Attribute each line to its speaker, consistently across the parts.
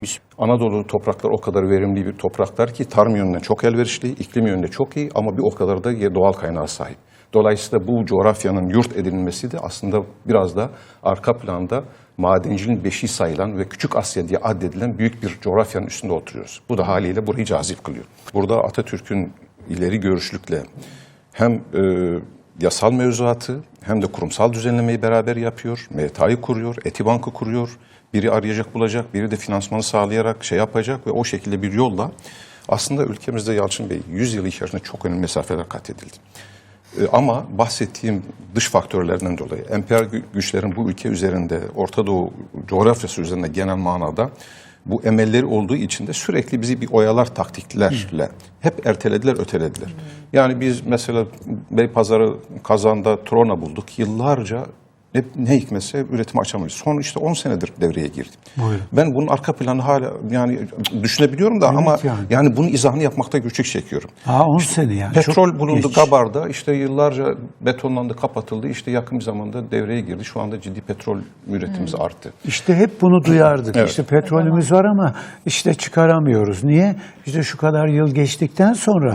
Speaker 1: Anadolu toprakları o kadar verimli bir topraklar ki tarım yönünden çok elverişli, iklim yönünde çok iyi ama bir o kadar da doğal kaynağa sahip. Dolayısıyla bu coğrafyanın yurt edinilmesi de aslında biraz da arka planda madenciliğin beşiği sayılan ve Küçük Asya diye addedilen büyük bir coğrafyanın üstünde oturuyoruz. Bu da haliyle burayı cazip kılıyor. Burada Atatürk'ün ileri görüşlükle hem yasal mevzuatı hem de kurumsal düzenlemeyi beraber yapıyor. META'yı kuruyor, Etibank'ı kuruyor. Biri arayacak bulacak, biri de finansmanı sağlayarak şey yapacak ve o şekilde bir yolla aslında ülkemizde Yalçın Bey 100 yıl içerisinde çok önemli mesafeler kat edildi. Ama bahsettiğim dış faktörlerden dolayı emperyal güçlerin bu ülke üzerinde, Orta Doğu coğrafyası üzerinde genel manada bu emelleri olduğu için de sürekli bizi bir oyalar taktiklerle hep ertelediler, ötelediler. Yani biz mesela Beypazarı, Kazan'da Trona bulduk. Yıllarca ne hikmetse üretimi açamayız. Son işte 10 senedir devreye girdi. Buyurun. Ben bunun arka planı hala yani düşünebiliyorum da evet, ama yani bunun izahını yapmakta güçlük çekiyorum.
Speaker 2: 10 sene yani.
Speaker 1: Petrol bulundu Gabar'da, işte yıllarca betonlandı, kapatıldı. İşte yakın bir zamanda devreye girdi. Şu anda ciddi petrol üretimimiz arttı.
Speaker 2: İşte hep bunu duyardık.
Speaker 1: Evet.
Speaker 2: İşte petrolümüz var ama işte çıkaramıyoruz. Niye? İşte şu kadar yıl geçtikten sonra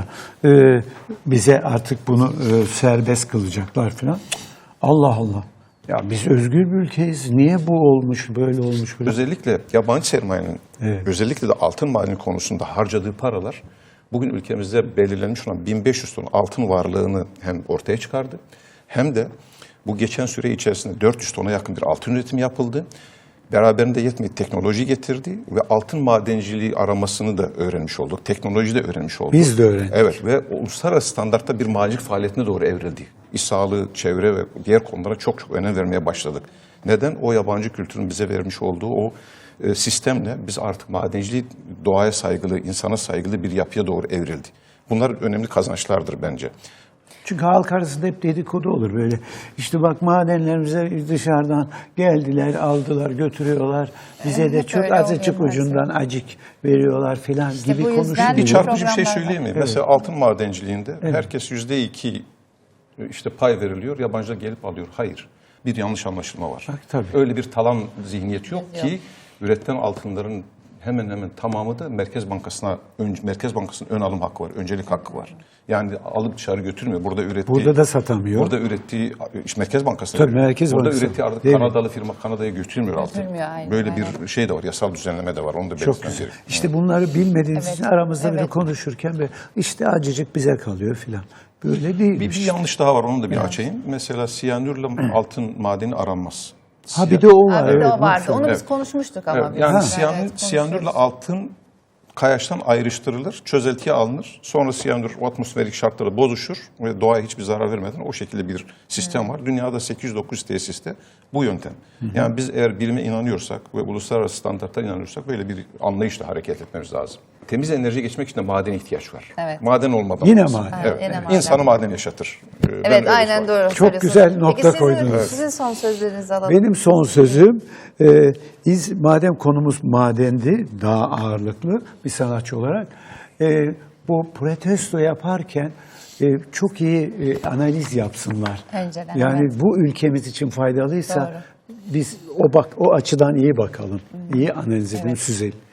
Speaker 2: bize artık bunu serbest kılacaklar falan. Allah Allah. Ya biz özgür bir ülkeyiz. Niye bu olmuş, böyle olmuş? Böyle?
Speaker 1: Özellikle yabancı sermayenin, özellikle de altın madeni konusunda harcadığı paralar bugün ülkemizde belirlenmiş olan 1500 ton altın varlığını hem ortaya çıkardı hem de bu geçen süre içerisinde 400 tona yakın bir altın üretimi yapıldı. Beraberinde yetmeyip teknoloji getirdi ve altın madenciliği aramasını da öğrenmiş olduk. Teknoloji de öğrenmiş olduk.
Speaker 2: Biz de öğrendik.
Speaker 1: Evet ve uluslararası standartta bir madencilik faaliyetine doğru evrildi. İş sağlığı, çevre ve diğer konulara çok çok önem vermeye başladık. Neden? O yabancı kültürün bize vermiş olduğu o sistemle biz artık madenciliği doğaya saygılı, insana saygılı bir yapıya doğru evrildi. Bunlar önemli kazançlardır bence.
Speaker 2: Çünkü halk arasında hep dedikodu olur böyle. İşte bak madenlerimize dışarıdan geldiler, aldılar, götürüyorlar. Bize de çok azıcık ucundan acık veriyorlar filan işte gibi konuşuyor.
Speaker 1: Bir çarpıcı bir şey söyleyeyim mi? Evet. Mesela altın madenciliğinde herkes %2 işte pay veriliyor, yabancılar gelip alıyor. Hayır. Bir yanlış anlaşılma var.
Speaker 2: Bak, tabii.
Speaker 1: Öyle bir talan zihniyeti yok ki üretilen altınların hemen hemen tamamı da Merkez Bankası'nın ön alım hakkı var, öncelik hakkı var. Yani alıp dışarı götürmüyor. Burada
Speaker 2: da satamıyor.
Speaker 1: Burada ürettiği Merkez Bankası'na
Speaker 2: tabii, Merkez
Speaker 1: burada
Speaker 2: Bankası.
Speaker 1: ürettiği artık Kanadalı firma Kanada'ya götürmüyor altın. Böyle bir şey de var, yasal düzenleme de var. Onu da belirtmem gerekiyor.
Speaker 2: İşte bunları bilmediğimiz için aramızda bile konuşurken ve işte acıcık bize kalıyor filan. Böyle değil.
Speaker 1: Bir yanlış daha var, onu da bir açayım. Mesela siyanürle altın madeni aranmaz.
Speaker 2: Bir de o var.
Speaker 3: Bir de o vardı. Onu biz konuşmuştuk ama.
Speaker 1: Evet, yani siyanürle altın kayaçtan ayrıştırılır, çözeltiye alınır. Sonra siyanür o atmosferik şartlarda bozuşur ve doğaya hiçbir zarar vermeden o şekilde bir sistem var. Dünyada 800-900 tesiste bu yöntem. Yani biz eğer bilime inanıyorsak ve uluslararası standartlara inanıyorsak böyle bir anlayışla hareket etmemiz lazım. Temiz enerjiye geçmek için de madene ihtiyaç var.
Speaker 3: Evet.
Speaker 1: Maden olmadan
Speaker 2: yine
Speaker 1: olmaz.
Speaker 2: maden.
Speaker 1: Evet.
Speaker 3: Yine maden.
Speaker 1: İnsanı maden yaşatır.
Speaker 3: Evet, aynen doğru.
Speaker 2: Çok güzel nokta koydunuz.
Speaker 3: Peki sizin son sözlerinizi alalım.
Speaker 2: Benim son sözüm, madem konumuz madendi, daha ağırlıklı bir sanatçı olarak, bu protesto yaparken çok iyi analiz yapsınlar.
Speaker 3: Önceden,
Speaker 2: yani bu ülkemiz için faydalıysa biz o açıdan iyi bakalım, iyi analiz edelim, süzelim.